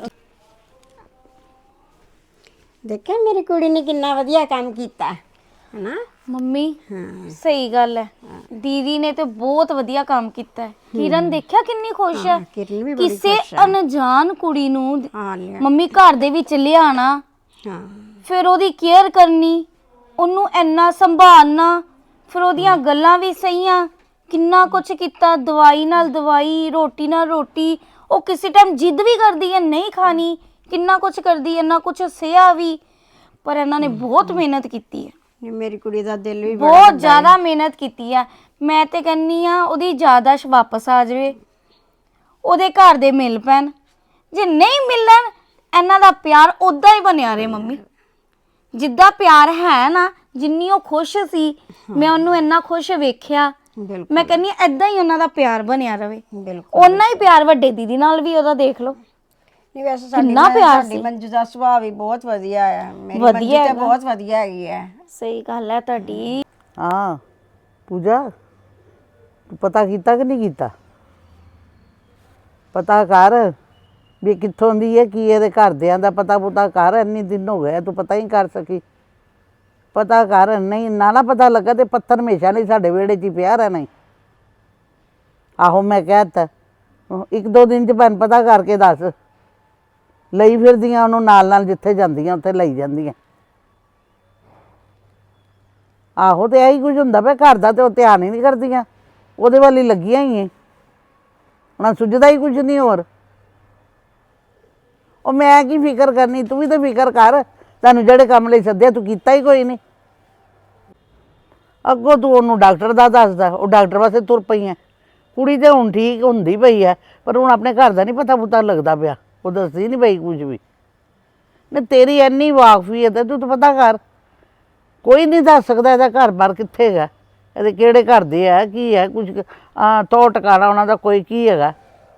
Speaker 3: देखिए मेरी कुड़ी ने कितना वधिया काम कीता है ना?
Speaker 4: ਮੰਮੀ ਸਹੀ ਗੱਲ ਹੈ, ਦੀਦੀ ਨੇ ਤੇ ਬਹੁਤ ਵਧੀਆ ਕੰਮ ਕੀਤਾ ਹੈ। ਕਿਰਨ ਦੇਖਿਆ ਕਿੰਨੀ ਖੁਸ਼ ਹੈ।
Speaker 3: किरण भी बड़ी
Speaker 4: ਕਿਸੇ
Speaker 3: खुश है।
Speaker 4: ਅਣਜਾਣ ਕੁੜੀ ਨੂੰ
Speaker 3: हाँ लिया।
Speaker 4: ਮੰਮੀ ਘਰ ਦੇ ਵਿੱਚ ਲਿਆਣਾ,
Speaker 3: हाँ
Speaker 4: ਫਿਰ ਉਹਦੀ ਕੇਅਰ ਕਰਨੀ, ਉਹਨੂੰ ਇੰਨਾ ਸੰਭਾਲਣਾ, ਫਿਰ ਉਹਦੀਆਂ ਗੱਲਾਂ ਵੀ ਸਹੀਆਂ, ਕਿੰਨਾ ਕੁਝ ਕੀਤਾ, ਦਵਾਈ ਨਾਲ ਦਵਾਈ, ਰੋਟੀ ਨਾਲ ਰੋਟੀ। ਉਹ ਕਿਸੇ ਟਾਈਮ ਜਿੱਦ ਵੀ ਕਰਦੀ ਹੈ ਨਹੀਂ ਖਾਣੀ, ਕਿੰਨਾ ਕੁਝ ਕਰਦੀ ਹੈ, ਇੰਨਾ ਕੁਝ ਸਿਆ ਵੀ, ਪਰ ਇਹਨਾਂ ਨੇ ਬਹੁਤ ਮਿਹਨਤ ਕੀਤੀ ਹੈ।
Speaker 3: ये मेरी कुड़ी दा दिल भी बड़ा
Speaker 4: ਬਹੁਤ ਜ਼ਿਆਦਾ ਮਿਹਨਤ ਕੀਤੀ ਹੈ। ਮੈਂ ਤੇ ਕਹਿੰਨੀ ਆ ਉਹਦੀ ਯਾਦਾਸ਼ ਵਾਪਸ ਆ ਜਾਵੇ, ਉਹਦੇ ਘਰ ਦੇ ਮਿਲ ਪੈਣ। ਜੇ ਨਹੀਂ ਮਿਲਣ, ਇਹਨਾਂ ਦਾ ਪਿਆਰ ਉਦਾਂ ਹੀ ਬਣਿਆ ਰਹੇ ਮੰਮੀ, ਜਿੱਦਾਂ ਪਿਆਰ ਹੈ ਨਾ। ਜਿੰਨੀ ਉਹ ਖੁਸ਼ ਸੀ, ਮੈਂ ਉਹਨੂੰ ਇੰਨਾ ਖੁਸ਼ ਵੇਖਿਆ।
Speaker 3: बिल्कुल
Speaker 4: ਮੈਂ ਕਹਿੰਨੀ ਏਦਾਂ ਹੀ ਉਹਨਾਂ ਦਾ ਪਿਆਰ ਬਣਿਆ ਰਵੇ।
Speaker 3: बिल्कुल।
Speaker 4: ਉਹਨਾਂ ਹੀ ਪਿਆਰ ਵੱਡੇ ਦੀਦੀ ਨਾਲ ਵੀ ਉਹਦਾ ਦੇਖ ਲਓ।
Speaker 3: नहीं वैसे
Speaker 4: कितना
Speaker 3: साडी
Speaker 4: प्यार
Speaker 3: साडी
Speaker 4: सी।
Speaker 3: मंजू दा सुभाव भी बहुत वधिया है। मेरी
Speaker 4: वधिया
Speaker 3: मंजू ते
Speaker 4: हैगा।
Speaker 3: बहुत वधिया हैगी है।
Speaker 4: ਸਹੀ ਗੱਲ ਹੈ ਤੁਹਾਡੀ।
Speaker 2: ਹਾਂ ਪੂਜਾ, ਤੂੰ ਪਤਾ ਕੀਤਾ ਕਿ ਨਹੀਂ ਕੀਤਾ? ਪਤਾ ਕਰ ਵੀ ਕਿੱਥੋਂ ਦੀ ਹੈ, ਕੀ ਇਹਦੇ ਘਰਦਿਆਂ ਦਾ ਪਤਾ ਪੁਤਾ ਕਰ। ਇੰਨੀ ਦਿਨ ਹੋ ਗਏ ਤੂੰ ਪਤਾ ਹੀ ਕਰ ਸਕੀ। ਪਤਾ ਕਰ, ਨਹੀਂ ਨਾ ਪਤਾ ਲੱਗਾ ਤੇ ਪੱਥਰ ਹਮੇਸ਼ਾ ਨਹੀਂ ਸਾਡੇ ਵਿਹੜੇ 'ਚ ਹੀ ਪਿਆ ਰਹਿਣਾ ਈ। ਆਹੋ ਮੈਂ ਕਹਿ ਤਾ, ਇੱਕ ਦੋ ਦਿਨ 'ਚ ਭੈਣ ਪਤਾ ਕਰਕੇ ਦੱਸ। ਲਈ ਫਿਰਦੀਆਂ ਉਹਨੂੰ ਨਾਲ ਨਾਲ, ਜਿੱਥੇ ਜਾਂਦੀਆਂ ਉੱਥੇ ਲਈ ਜਾਂਦੀਆਂ। ਆਹੋ ਤੇ ਇਹੀ ਕੁਝ ਹੁੰਦਾ ਪਿਆ ਘਰ ਦਾ, ਤੇ ਉਹ ਧਿਆਨ ਹੀ ਨਹੀਂ ਕਰਦੀਆਂ, ਉਹਦੇ ਵੱਲ ਹੀ ਲੱਗੀਆਂ ਹੀ ਹੈ। ਉਹਨਾਂ ਸੁੱਝਦਾ ਹੀ ਕੁਝ ਨਹੀਂ ਹੋਰ। ਉਹ ਮੈਂ ਕੀ ਫਿਕਰ ਕਰਨੀ, ਤੂੰ ਵੀ ਤਾਂ ਫਿਕਰ ਕਰ। ਤੈਨੂੰ ਜਿਹੜੇ ਕੰਮ ਲਈ ਸੱਦਿਆ ਤੂੰ ਕੀਤਾ ਹੀ ਕੋਈ ਨਹੀਂ। ਅੱਗੋਂ ਤੂੰ ਉਹਨੂੰ ਡਾਕਟਰ ਦਾ ਦੱਸਦਾ, ਉਹ ਡਾਕਟਰ ਵਾਸਤੇ ਤੁਰ ਪਈ ਹੈ। ਕੁੜੀ ਤੇ ਹੁਣ ਠੀਕ ਹੁੰਦੀ ਪਈ ਹੈ, ਪਰ ਹੁਣ ਆਪਣੇ ਘਰ ਦਾ ਨਹੀਂ ਪਤਾ ਪੁਤਾ ਲੱਗਦਾ ਪਿਆ। ਉਹ ਦੱਸਦੀ ਨਹੀਂ ਪਈ ਕੁਝ ਵੀ। ਨਹੀਂ ਤੇਰੀ ਇੰਨੀ ਵਾਕਫੀ ਹੈ ਤੇ ਤੂੰ ਤਾਂ ਪਤਾ ਕਰ। ਕੋਈ ਨਹੀਂ ਦੱਸ ਸਕਦਾ ਇਹਦਾ ਘਰ ਬਾਰ ਕਿੱਥੇ ਹੈਗਾ, ਇਹਦੇ ਕਿਹੜੇ ਘਰ ਦੇ ਹੈ, ਕੀ ਹੈ, ਕੁਝ ਤੋ ਟਿਕਾਣਾ ਉਹਨਾਂ ਦਾ ਕੋਈ ਕੀ ਹੈਗਾ।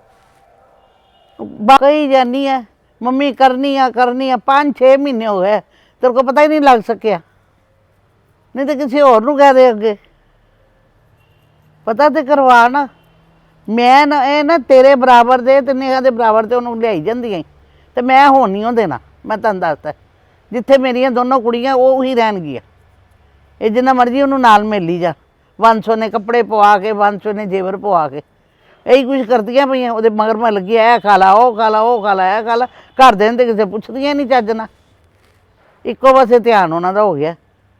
Speaker 2: ਕਹੀ ਜਾਨੀ ਹੈ ਮੰਮੀ ਕਰਨੀ ਆ 5-6 ਮਹੀਨੇ ਹੋ ਗਏ, ਤੇਰੇ ਕੋਲ ਪਤਾ ਹੀ ਨਹੀਂ ਲੱਗ ਸਕਿਆ। ਨਹੀਂ ਤਾਂ ਕਿਸੇ ਹੋਰ ਨੂੰ ਕਹਿ ਦੇ ਅੱਗੇ, ਪਤਾ ਤੇ ਕਰਵਾ ਨਾ। ਮੈਂ ਨਾ ਇਹ ਨਾ ਤੇਰੇ ਬਰਾਬਰ ਦੇ ਤੇ ਨੇਹਾ ਦੇ ਬਰਾਬਰ ਤੇ ਉਹਨੂੰ ਲਿਆਈ ਜਾਂਦੀਆਂ ਤੇ ਮੈਂ ਹੁਣ ਨਹੀਂ ਉਹ ਦੇਣਾ। ਮੈਂ ਤੁਹਾਨੂੰ ਦੱਸਦਾ, ਜਿੱਥੇ ਮੇਰੀਆਂ ਦੋਨੋਂ ਕੁੜੀਆਂ ਉਹ ਹੀ ਰਹਿਣਗੀਆਂ। ਇਹ ਜਿੰਨਾ ਮਰਜ਼ੀ ਉਹਨੂੰ ਨਾਲ ਮਿਲੀ ਜਾ, 500 ਨੇ ਕੱਪੜੇ ਪਵਾ ਕੇ, 500 ਨੇ ਜੇਵਰ ਪਵਾ ਕੇ, ਇਹੀ ਕੁਝ ਕਰਦੀਆਂ ਪਈਆਂ। ਉਹਦੇ ਮਗਰ ਮੈਂ ਲੱਗੀ, ਇਹ ਖਾ ਲਾ, ਉਹ ਖਾ ਲਾ, ਉਹ ਖਾ ਲਾ, ਇਹ ਖਾ ਲਾ। ਘਰ ਦੇ ਤੇ ਕਿਸੇ ਪੁੱਛਦੀਆਂ ਨਹੀਂ ਚੱਜ ਨਾਲ, ਇੱਕੋ ਪਾਸੇ ਧਿਆਨ ਉਹਨਾਂ ਦਾ ਹੋ ਗਿਆ।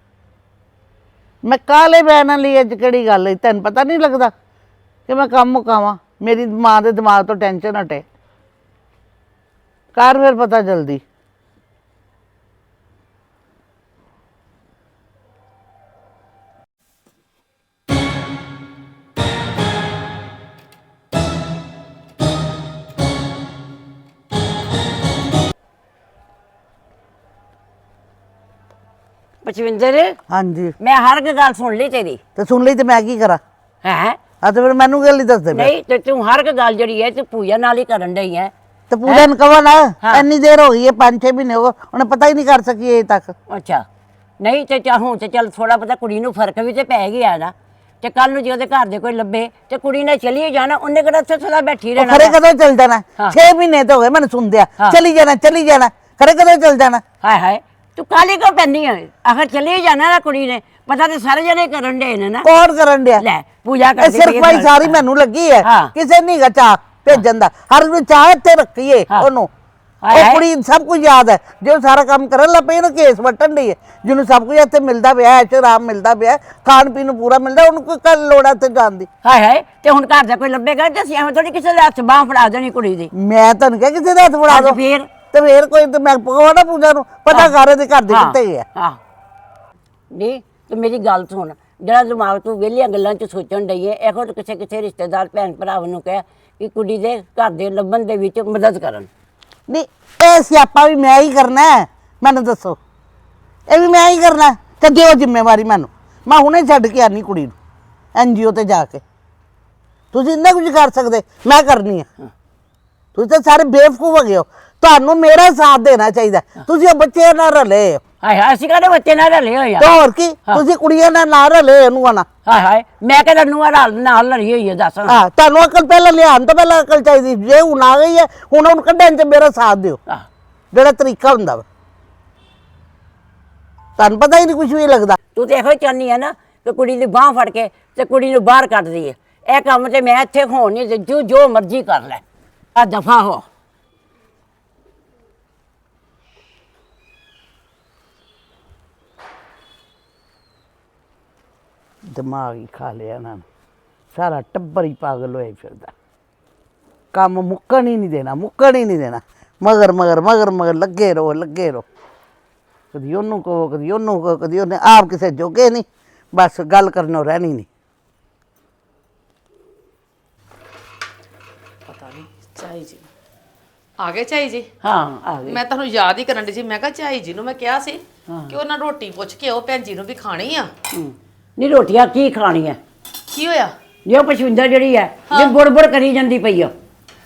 Speaker 2: ਮੈਂ ਕਾਹਲੇ ਬੈਨਾਂ ਲਈ ਅੱਜ ਕਿਹੜੀ ਗੱਲ ਹੈ, ਤੈਨੂੰ ਪਤਾ ਨਹੀਂ ਲੱਗਦਾ ਕਿ ਮੈਂ ਕੰਮ ਮੁਕਾਵਾਂ? ਮੇਰੀ ਮਾਂ ਦੇ ਦਿਮਾਗ ਤੋਂ ਟੈਨਸ਼ਨ ਹਟੇ। ਕਰ ਫਿਰ ਪਤਾ ਜਲਦੀ।
Speaker 6: ਪਚਵਿੰਦਰ,
Speaker 2: ਹਾਂਜੀ
Speaker 6: ਮੈਂ ਹਰ ਇੱਕ ਗੱਲ ਸੁਣ ਲਈ ਤੇਰੀ।
Speaker 2: ਤੇ ਸੁਣ ਲਈ ਤੇ ਮੈਂ ਕੀ ਕਰਾਂ?
Speaker 6: ਹੈ
Speaker 2: ਆ ਤੇ ਫਿਰ ਮੈਨੂੰ ਗੱਲ ਨਹੀਂ ਦੱਸਦੇ ਪਏ।
Speaker 6: ਨਹੀਂ ਤੇ ਤੂੰ ਹਰ ਇੱਕ ਗੱਲ ਜਿਹੜੀ ਹੈ ਤੂੰ ਪੂਜਾ ਨਾਲ ਹੀ ਕਰਨ ਡਈ ਹੈ।
Speaker 2: ਤੇ ਪੂਜਾ ਨੂੰ ਕਹੋ ਨਾ, ਇੰਨੀ ਦੇਰ ਹੋ ਗਈ ਹੈ, 5-6 ਮਹੀਨੇ ਹੋ ਗਏ, ਉਹਨੇ ਪਤਾ ਹੀ ਨਹੀਂ ਕਰ ਸਕੀ ਅਜੇ ਤੱਕ।
Speaker 6: ਅੱਛਾ ਨਹੀਂ ਤੇ ਹੁਣ ਤੇ ਚੱਲ ਥੋੜਾ ਪਤਾ ਕੁੜੀ ਨੂੰ ਫਰਕ ਵੀ ਤੇ ਪੈ ਗਿਆ ਨਾ। ਤੇ ਕੱਲ ਨੂੰ ਜੇ ਉਹਦੇ ਘਰ ਦੇ ਕੋਈ ਲੱਭੇ ਤੇ ਕੁੜੀ ਨੇ ਚਲੀ ਜਾਣਾ, ਉਹਨੇ ਕਿਹੜਾ ਉੱਥੇ ਸਦਾ ਬੈਠੀ
Speaker 2: ਉਹ
Speaker 6: ਰਹਿਣਾ।
Speaker 2: ਖਰੇ ਕਦੋਂ ਚੱਲ ਜਾਣਾ? 6 ਮਹੀਨੇ ਤੋਂ ਹੋ ਗਏ ਮੈਨੂੰ ਸੁਣਦਿਆ, ਚਲੀ ਜਾਣਾ ਚਲੀ ਜਾਣਾ, ਖਰੇ ਕਦੋਂ ਚੱਲ ਜਾਣਾ?
Speaker 6: ਹਾਏ ਹਾਏ ਤੂੰ ਕਾਲੀ ਕਿਉਂ ਪੈਂਦੀ ਹੈ? ਆਖਰ ਚਲੀ ਜਾਣਾ ਨਾ ਕੁੜੀ ਨੇ, ਪਤਾ ਤੇ ਸਾਰੇ ਜਣੇ ਕਰਨ ਦੇ ਨੇ ਨਾ।
Speaker 2: ਕੌਣ ਕਰਨ ਡਿਆ?
Speaker 6: ਲੈ ਪੂਜਾ
Speaker 2: ਇਹ
Speaker 6: ਕਰਦੀ
Speaker 2: ਸਿਰਫ ਭਾਈ ਸਾਰੀ ਮੈਨੂੰ ਲੱਗੀ ਹੈ,
Speaker 6: ਹਾਂ।
Speaker 2: ਕਿਸੇ ਨਹੀਂ ਗਾ ਚਾਹ ਭੇਜਣ ਦਾ। ਹਰ ਨੂੰ ਚਾਹ ਇੱਥੇ ਰੱਖੀਏ ਉਹਨੂੰ।
Speaker 6: ਹਾਏ
Speaker 2: ਉਹ
Speaker 6: ਹਾਏ।
Speaker 2: ਕੁੜੀ ਸਭ ਕੁਝ ਯਾਦ ਹੈ, ਜੇ ਉਹ ਸਾਰਾ ਕੰਮ ਕਰਨ ਲੱਗ ਪਈ ਇਹਨੂੰ ਕੇਸ ਵੱਟਣ ਦੀ ਹੈ। ਜਿਹਨੂੰ ਸਭ ਕੁਝ ਇੱਥੇ ਮਿਲਦਾ ਪਿਆ, ਐਸ਼ ਆਰਾਮ ਮਿਲਦਾ ਪਿਆ, ਖਾਣ ਪੀਣ ਨੂੰ ਪੂਰਾ ਮਿਲਦਾ, ਉਹਨੂੰ ਕੋਈ ਕੱਲ ਲੋੜ ਹੈ ਇੱਥੇ ਜਾਣ ਦੀ?
Speaker 6: ਹਾਏ ਹਾਏ ਤੇ ਹੁਣ ਘਰ ਦਾ ਕੋਈ ਲੱਭੇਗਾ ਤੇ ਅਸੀਂ ਐਵੇਂ ਥੋੜੀ ਕਿਸੇ ਦੇ ਹੱਥ ਬਾਂਹ ਫੜਾ ਦੇਣੀ ਕੁੜੀ ਦੀ।
Speaker 2: ਮੈਂ ਤੁਹਾਨੂੰ ਕਿਹਾ ਕਿਸੇ ਦੇ ਹੱਥ ਫੜਾ ਦੋ।
Speaker 6: ਫੇਰ
Speaker 2: ਤੇ ਫੇਰ ਕੋਈ ਤੇ ਮੈਂ ਪਕਵਾੜਾ ਪੂਜਾ ਨੂੰ ਪਤਾ ਕਰ ਇਹਦੇ ਘਰ ਦੇ ਕਿੱਥੇ ਹੈ।
Speaker 6: ਹਾਂ ਨਹੀਂ ਤੂੰ ਮੇਰੀ ਗੱਲ ਸੁਣ, ਜਿਹੜਾ ਦਿਮਾਗ ਤੂੰ ਵਿਹਲੀਆਂ ਗੱਲਾਂ 'ਚ ਸੋਚਣ ਡਈ ਹੈ, ਇਹੋ ਜਿਹੇ ਕਿਸੇ ਰਿਸ਼ਤੇਦਾਰ ਭੈਣ ਭਰਾਵਾਂ ਨੂੰ ਕਹਿ ਕਿ ਕੁੜੀ ਦੇ ਘਰ ਦੇ ਲੱਭਣ ਦੇ ਵਿੱਚ ਮਦਦ ਕਰਨ।
Speaker 2: ਨਹੀਂ ਇਹ ਸਿਆਪਾ ਵੀ ਮੈਂ ਹੀ ਕਰਨਾ ਹੈ, ਮੈਨੂੰ ਦੱਸੋ ਇਹ ਵੀ ਮੈਂ ਹੀ ਕਰਨਾ ਤੇ ਦਿਓ ਜ਼ਿੰਮੇਵਾਰੀ ਮੈਨੂੰ। ਮੈਂ ਹੁਣੇ ਛੱਡ ਕੇ ਆਨੀ ਕੁੜੀ ਨੂੰ NGO ਤੇ ਜਾ ਕੇ। ਤੁਸੀਂ ਇੰਨਾ ਕੁਝ ਕਰ ਸਕਦੇ, ਮੈਂ ਕਰਨੀ ਆ। ਤੁਸੀਂ ਤਾਂ ਸਾਰੇ ਬੇਵਕੂਫ ਹੋ ਗਏ ਹੋ, ਤੁਹਾਨੂੰ ਮੇਰਾ ਸਾਥ ਦੇਣਾ ਚਾਹੀਦਾ। ਤੁਸੀਂ ਉਹ ਬੱਚੇ ਨਾਲ ਰਲੇ ਹੋ।
Speaker 6: ਹਾਏ ਹਾਏ ਅਸੀਂ ਕਾਹਦੇ ਬੱਚੇ ਨਾਲ ਰਲੇ ਹੋਏ ਆ?
Speaker 2: ਤੇ ਹੋਰ ਕੀ, ਤੁਸੀਂ ਕੁੜੀਆਂ ਨਾਲ ਨਾ ਰਲੇ ਇਹਨੂੰ ਆਣਾ।
Speaker 6: ਹਾਏ ਹਾਏ ਮੈਂ ਕਹਿੰਦਾ ਨੂੰਹਾਂ ਨਾਲ ਲੜੀ ਹੋਈ ਹੈ ਦੱਸ।
Speaker 2: ਹਾਂ ਤੁਹਾਨੂੰ ਅਕਲ ਪਹਿਲਾਂ ਲਿਆਉਣ ਤੋਂ ਪਹਿਲਾਂ ਅਕਲ ਚਾਹੀਦੀ। ਜੇ ਹੁਣ ਆ ਗਈ ਹੈ ਹੁਣ ਉਹਨੂੰ ਕੱਢਣ 'ਚ ਮੇਰਾ ਸਾਥ ਦਿਓ,
Speaker 6: ਆਹ,
Speaker 2: ਜਿਹੜਾ ਤਰੀਕਾ ਹੁੰਦਾ ਵਾ। ਤੁਹਾਨੂੰ ਪਤਾ ਹੀ ਨਹੀਂ ਕੁਝ ਵੀ ਲੱਗਦਾ।
Speaker 6: ਤੂੰ ਤੇ ਇਹੋ ਹੀ ਚਾਹੁੰਦੀ ਹੈ ਨਾ ਕਿ ਕੁੜੀ ਦੀ ਬਾਂਹ ਫੜ ਕੇ ਤੇ ਕੁੜੀ ਨੂੰ ਬਾਹਰ ਕੱਢ ਦਈਏ। ਇਹ ਕੰਮ ਤੇ ਮੈਂ ਇੱਥੇ ਹੋਣ ਨਹੀਂ ਦੇ, ਜੋ ਮਰਜ਼ੀ ਕਰ ਲੈ, ਆ ਦਫਾ ਹੋ।
Speaker 2: ਦਿਮਾਗ ਹੀ ਖਾ ਲਿਆ ਇਹਨਾਂ ਨੇ, ਸਾਰਾ ਟੱਬਰ ਹੀ ਪਾਗਲ ਹੋਇਆ ਫਿਰਦਾ। ਕੰਮ ਮੁੱਕਣ ਹੀ ਨਹੀਂ ਦੇਣਾ, ਮੁੱਕਣ ਹੀ ਨਹੀਂ ਦੇਣਾ। ਮਗਰ ਮਗਰ ਮਗਰ ਮਗਰ ਲੱਗੇ ਰਹੋ, ਲੱਗੇ ਰਹੋ। ਕਦੀ ਉਹਨੂੰ ਕਹੋ, ਕਦੀ ਉਹਨੂੰ ਕਹੋ, ਕਦੀ ਉਹਨੇ ਆਪ ਕਿਸੇ ਜੋਗੇ ਨਹੀਂ, ਬਸ ਗੱਲ ਕਰਨੋਂ ਰਹਿਣੀ ਨਹੀਂ।
Speaker 7: ਪਤਾ ਨਹੀਂ ਝਾਈ ਜੀ ਆ ਗਏ। ਝਾਈ ਜੀ
Speaker 6: ਹਾਂ ਆ ਗਈ।
Speaker 7: ਮੈਂ ਤੁਹਾਨੂੰ ਯਾਦ ਹੀ ਕਰਨ ਦੀ ਸੀ। ਮੈਂ ਕਿਹਾ ਝਾਈ ਜੀ ਨੂੰ ਮੈਂ ਕਿਹਾ ਸੀ ਕਿ ਉਹਨਾਂ ਰੋਟੀ ਪੁੱਛ ਕੇ ਉਹ ਭੈਣ ਜੀ ਨੂੰ ਵੀ ਖਾਣੀ ਆ।
Speaker 6: ਨਹੀਂ ਰੋਟੀਆਂ ਕੀ ਖਾਣੀਆਂ?
Speaker 7: ਕੀ ਹੋਇਆ
Speaker 6: ਜੇ ਉਹ ਪਸ਼ਵਿੰਦਰ ਜਿਹੜੀ ਹੈ ਜੇ ਬੁੜਬੁੜ ਕਰੀ ਜਾਂਦੀ ਪਈ ਆ।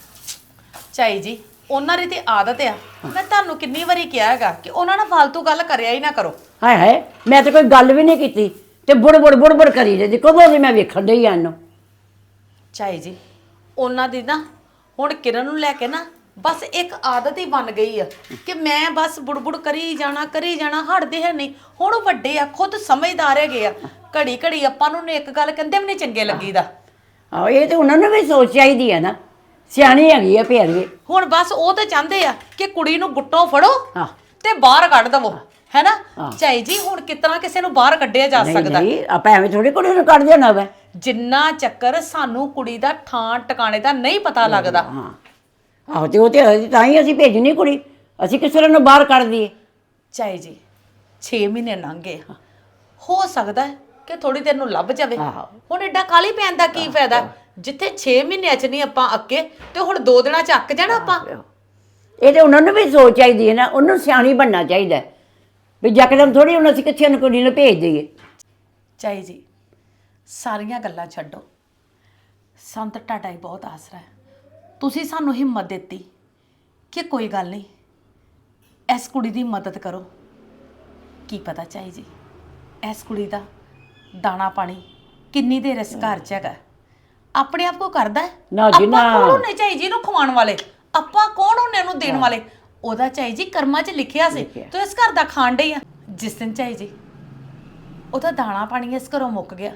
Speaker 7: ਝਾਈ ਜੀ? ਉਹਨਾਂ ਦੀ ਤੇ ਆਦਤ ਆ। ਮੈਂ ਤੁਹਾਨੂੰ ਕਿੰਨੀ ਵਾਰੀ ਕਿਹਾ ਹੈਗਾ ਕਿ ਉਹਨਾਂ ਨਾਲ ਫालतू ਗੱਲ ਕਰਿਆ ਹੀ ਨਾ ਕਰੋ।
Speaker 6: ਹਾਏ ਹਾਏ ਮੈਂ ਤਾਂ ਕੋਈ ਗੱਲ ਵੀ ਨਹੀਂ ਕੀਤੀ ਤੇ ਬੁੜਬੁੜ ਕਰੀ ਜਾਂਦੀ। ਕਦੋਂ ਦੀ ਮੈਂ ਵੇਖਣ ਡਈ ਆ ਇਹਨੂੰ।
Speaker 7: ਝਾਈ ਜੀ ਉਹਨਾਂ ਦੀ ਨਾ ਹੁਣ ਕਿਰਨ ਨੂੰ ਲੈ ਕੇ ਨਾ ਬਸ ਇੱਕ ਆਦਤ ਹੀ ਬਣ ਗਈ ਆ ਕਿ ਮੈਂ ਬਸ ਬੁੜਬੁੜ ਕਰੀ ਜਾਣਾ ਹਟਦੇ ਹੈ ਨਹੀਂ। ਹੁਣ ਉਹ ਵੱਡੇ ਆ, ਖੁਦ ਸਮਝਦਾਰ ਹੈਗੇ ਆ। ਘੜੀ ਘੜੀ ਆਪਾਂ ਨੂੰ ਇੱਕ ਗੱਲ ਕਹਿੰਦੇ ਵੀ ਨਹੀਂ ਚੰਗੇ ਲੱਗੀਦਾ।
Speaker 6: ਆਹੋ ਇਹ ਤੇ ਉਹਨਾਂ ਨੂੰ ਵੀ ਸੋਚ ਚਾਹੀਦੀ ਹੈ ਨਾ, ਸਿਆਣੀ ਹੈਗੀ ਆ ਫੇਰ ਵੀ।
Speaker 7: ਹੁਣ ਬਸ ਉਹ ਤੇ ਚਾਹੁੰਦੇ ਆ ਕਿ ਕੁੜੀ ਨੂੰ ਗੁੱਟੋਂ ਫੜੋ
Speaker 6: ਹਾਂ।
Speaker 7: ਤੇ ਬਾਹਰ ਕੱਢ ਦਵੋ, ਹੈਨਾ? ਝਾਈ ਜੀ ਹੁਣ ਕਿਤਨਾ ਕਿਸੇ ਨੂੰ ਬਾਹਰ ਕੱਢਿਆ ਜਾ ਸਕਦਾ?
Speaker 6: ਨਹੀਂ ਆਪਾਂ ਐਵੇਂ ਥੋੜੀ ਕੁੜੀ ਨੂੰ ਕੱਢ ਦੇਣਾ ਵਾ।
Speaker 7: ਜਿੰਨਾ ਚੱਕਰ ਸਾਨੂੰ ਕੁੜੀ ਦਾ ਥਾਂ ਟਿਕਾਣੇ ਦਾ ਨਹੀਂ ਪਤਾ ਲੱਗਦਾ।
Speaker 6: ਹਾਂ ਆਹੋ ਤੇ ਉਹ ਤੇ ਤਾਂ ਹੀ ਅਸੀਂ ਭੇਜਣੀ ਕੁੜੀ, ਅਸੀਂ ਕਿਸ ਤਰ੍ਹਾਂ ਨੂੰ ਬਾਹਰ ਕੱਢ ਦਈਏ?
Speaker 7: ਝਾਈ ਜੀ 6 ਮਹੀਨੇ ਲੰਘ ਗਏ, ਹੋ ਸਕਦਾ ਹੈ ਕਿ ਥੋੜੀ ਦੇਰ ਨੂੰ ਲੱਭ ਜਾਵੇ। ਹੁਣ ਐਡਾ ਕਾਲੀ ਪੈਣ ਦਾ ਕੀ ਫਾਇਦਾ? ਜਿੱਥੇ 6 ਮਹੀਨਿਆਂ ਚ ਨਹੀਂ ਆਪਾਂ ਅੱਕੇ ਤੇ ਹੁਣ 2 ਦਿਨਾਂ ਚ ਅੱਕ ਜਾਣਾ ਆਪਾਂ।
Speaker 6: ਇਹ ਤੇ ਉਹਨਾਂ ਨੂੰ ਵੀ ਸੋਚ ਚਾਹੀਦੀ ਹੈ ਨਾ, ਉਹਨੂੰ ਸਿਆਣੀ ਬਣਨਾ ਚਾਹੀਦਾ ਹੈ ਵੀ ਯਕਦਮ ਥੋੜੀ ਹੁਣ ਅਸੀਂ ਕਿੱਥੇ ਨੂੰ ਕੁੜੀ ਨੂੰ ਭੇਜ ਦਈਏ।
Speaker 7: ਝਾਈ ਜੀ ਸਾਰੀਆਂ ਗੱਲਾਂ ਛੱਡੋ, ਸੰਤ ਤੁਹਾਡਾ ਹੀ ਬਹੁਤ ਆਸਰਾ ਹੈ। ਤੁਸੀਂ ਸਾਨੂੰ ਹਿੰਮਤ ਦਿੱਤੀ ਕਿ ਕੋਈ ਗੱਲ ਨਹੀਂ ਇਸ ਕੁੜੀ ਦੀ ਮਦਦ ਕਰੋ। ਕੀ ਪਤਾ ਝਾਈ ਜੀ ਇਸ ਕੁੜੀ ਦਾ ਦਾਣਾ ਪਾਣੀ ਕਿੰਨੀ ਦੇਰ ਇਸ ਘਰ 'ਚ ਹੈਗਾ, ਆਪਣੇ ਆਪ ਕੋ ਕਰਦਾ ਹੈ?
Speaker 6: ਨਾ ਜੀ ਨਾ।
Speaker 7: ਆਪਾਂ ਕੌਣ ਹੁੰਨੇ ਝਾਈ ਜੀ ਨੂੰ ਖਵਾਉਣ ਵਾਲੇ? ਆਪਾਂ ਕੌਣ ਹੁੰਨੇ ਉਹਨੂੰ ਦੇਣ ਵਾਲੇ? ਉਹਦਾ ਝਾਈ ਜੀ ਕਰਮਾਂ 'ਚ ਲਿਖਿਆ ਸੀ ਤੂੰ ਇਸ ਘਰ ਦਾ ਖਾਣ ਡਈ ਆ। ਜਿਸ ਦਿਨ ਝਾਈ ਜੀ ਉਹਦਾ ਦਾਣਾ ਪਾਣੀ ਇਸ ਘਰੋਂ ਮੁੱਕ ਗਿਆ,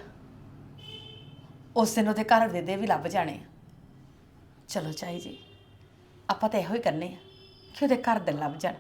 Speaker 7: ਉਸ ਦਿਨ ਉਹਦੇ ਘਰ ਦੇ ਵੀ ਲੱਭ ਜਾਣੇ ਆ। ਚਲੋ ਝਾਈ ਜੀ ਆਪਾਂ ਤਾਂ ਇਹੋ ਹੀ ਕਰਨੇ ਆ ਕਿ ਉਹਦੇ ਘਰ ਦੇ ਲੱਭ ਜਾਣ।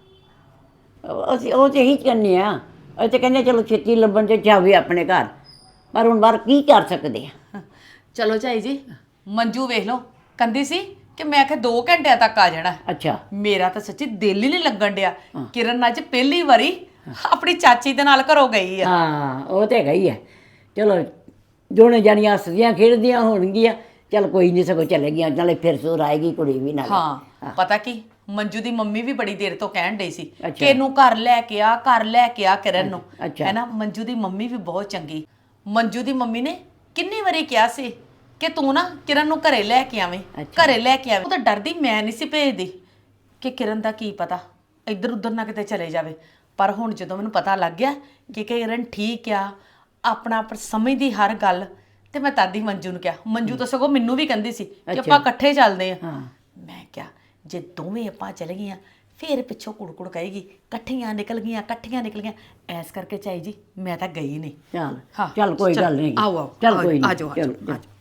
Speaker 6: ਅਸੀਂ ਉਹ ਤੇ ਇਹੀ ਕਹਿੰਦੇ ਆ, ਅਸੀਂ ਤੇ ਕਹਿੰਦੇ ਚਲੋ ਛੇਤੀ ਲੱਭਣ ਤੇ ਜਾਵੇ ਆਪਣੇ ਘਰ, ਪਰ ਹੁਣ ਬਾਹਰ ਕੀ ਕਰ ਸਕਦੇ ਆ?
Speaker 7: ਚਲੋ ਝਾਈ ਜੀ ਮੰਜੂ ਵੇਖ ਲਓ, ਕਹਿੰਦੀ ਸੀ ਕਿ ਮੈਂ ਆਖਿਆ 2 ਘੰਟਿਆਂ ਤੱਕ ਆ ਜਾਣਾ।
Speaker 6: ਅੱਛਾ
Speaker 7: ਮੇਰਾ ਤਾਂ ਸੱਚੀ ਦਿਲ ਹੀ ਨਹੀਂ ਲੱਗਣ ਡਿਆ। ਕਿਰਨ ਅੱਜ ਪਹਿਲੀ ਵਾਰੀ ਆਪਣੀ ਚਾਚੀ ਦੇ ਨਾਲ ਘਰੋਂ ਗਈ ਆ।
Speaker 6: ਹਾਂ ਉਹ ਤੇ ਹੈਗਾ ਹੀ ਹੈ। ਚਲੋ ਦੋਨੇ ਜਾਣੀਆਂ ਹੱਸਦੀਆਂ ਖੇਡਦੀਆਂ ਹੋਣਗੀਆਂ, ਚਲ ਕੋਈ ਨਹੀਂ, ਸਗੋਂ ਚਲੇ ਗਈਆਂ, ਨਾਲੇ ਫਿਰ ਸੁਰ ਆਏਗੀ ਕੁੜੀ ਵੀ ਨਾਲ।
Speaker 7: ਹਾਂ ਪਤਾ ਕੀ ਮੰਜੂ ਦੀ ਮੰਮੀ ਵੀ ਬੜੀ ਦੇਰ ਤੋਂ ਕਹਿਣ ਡਈ ਸੀ ਕਿ ਇਹਨੂੰ ਘਰ ਲੈ ਕੇ ਆ ਕਿਰਨ ਨੂੰ, ਹੈਨਾ? ਮੰਜੂ ਦੀ ਮੰਮੀ ਵੀ ਬਹੁਤ ਚੰਗੀ। ਮੰਜੂ ਦੀ ਮੰਮੀ ਨੇ ਕਿੰਨੀ ਵਾਰੀ ਕਿਹਾ ਸੀ ਕਿ ਤੂੰ ਨਾ ਕਿਰਨ ਨੂੰ ਘਰੇ ਲੈ ਕੇ ਆਵੇਂ, ਘਰੇ ਲੈ ਕੇ ਆਵੇਂ। ਉਹ ਤਾਂ ਡਰਦੀ ਮੈਂ ਨਹੀਂ ਸੀ ਭੇਜਦੀ ਕਿ ਕਿਰਨ ਦਾ ਕੀ ਪਤਾ ਇੱਧਰ ਉੱਧਰ ਨਾ ਕਿਤੇ ਚਲੇ ਜਾਵੇ। ਪਰ ਹੁਣ ਜਦੋਂ ਮੈਨੂੰ ਪਤਾ ਲੱਗ ਗਿਆ ਕਿ ਕਿਰਨ ਠੀਕ ਆ, ਆਪਣਾ ਆਪ ਸਮਝਦੀ ਹਰ ਗੱਲ, ਤੇ ਮੈਂ ਤਦ ਹੀ ਮੰਜੂ ਨੂੰ ਕਿਹਾ। ਮੰਜੂ ਤਾਂ ਸਗੋਂ ਮੈਨੂੰ ਵੀ ਕਹਿੰਦੀ ਸੀ ਕਿ ਆਪਾਂ ਇਕੱਠੇ ਚੱਲਦੇ ਆ। ਮੈਂ ਕਿਹਾ ਜੇ ਦੋਵੇਂ ਆਪਾਂ ਚਲੇ ਗਈਆਂ ਫਿਰ ਪਿੱਛੋਂ ਕੁੜਕੁੜ ਕਹੇਗੀ ਇਕੱਠੀਆਂ ਨਿਕਲ ਗਈਆਂ। ਐਸ ਕਰਕੇ ਝਾਈ ਜੀ ਮੈਂ ਤਾਂ ਗਈ ਨਹੀਂ।
Speaker 6: ਚੱਲ ਕੋਈ ਗੱਲ ਨਹੀਂ।
Speaker 7: ਆਓ
Speaker 6: ਚੱਲ ਕੋਈ ਨਹੀਂ।
Speaker 7: ਆ ਜਾਓ।